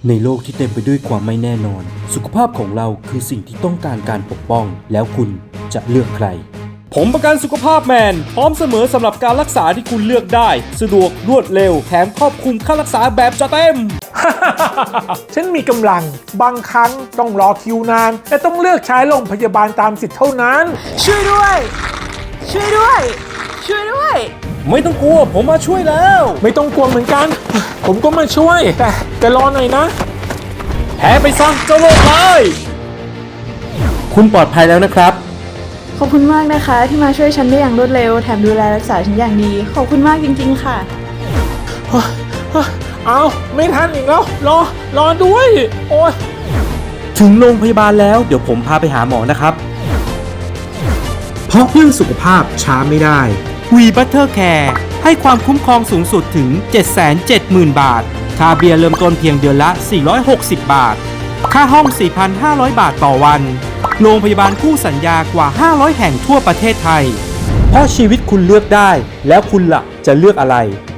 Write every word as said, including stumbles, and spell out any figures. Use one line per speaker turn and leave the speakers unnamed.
ในโลกที่เต็มไปด้วยความไม่แน่นอนสุขภาพของเราคือสิ่งที่ต้องการการปกป้องแล้วคุณจะเลือกใครผมประกันสุขภาพแมนพร้อมเสมอสำหรับการรักษาที่คุณเลือกได้สะดวกรวดเร็วแถมครอบคลุมค่ารักษาแบบจัดเต็ม
ฉันมีกำลังบางครั้งต้องรอคิวนานแต่ต้องเลือกใช้โรงพยาบาลตามสิทธิ์เท่านั้น
ช่วยด้วยช่วยด้วยช่วยด้วย
ไม่ต้องกลัวผมมาช่วยแล้ว
ไม่ต้องกลัวเหมือนกันผมก็มาช่วยแต่แต่รอหน่อยนะ
แพ้ไปซะเจ้าโรคร้ายคุณปลอดภัยแล้วนะครับ
ขอบคุณมากนะคะที่มาช่วยฉันได้อย่างรวดเร็วแถมดูแลรักษาฉันอย่างดีขอบคุณมากจริงๆค่ะ
เอาไม่ทันอีกแล้วรอรอด้วยโอ้ย
ถึงโรงพยาบาลแล้วเดี๋ยวผมพาไปหาหมอนะครับเพราะเรื่องสุขภาพช้าไม่ได้วีบัตเตอร์แคร์ให้ความคุ้มครองสูงสุดถึง เจ็ดแสนเจ็ดหมื่น บาทค่าเบียร์เริ่มต้นเพียงเดือนละสี่ร้อยหกสิบบาทค่าห้อง สี่พันห้าร้อย บาทต่อวันโรงพยาบาลคู่สัญญากว่าห้าร้อยแห่งทั่วประเทศไทยเพราะชีวิตคุณเลือกได้แล้วคุณล่ะจะเลือกอะไร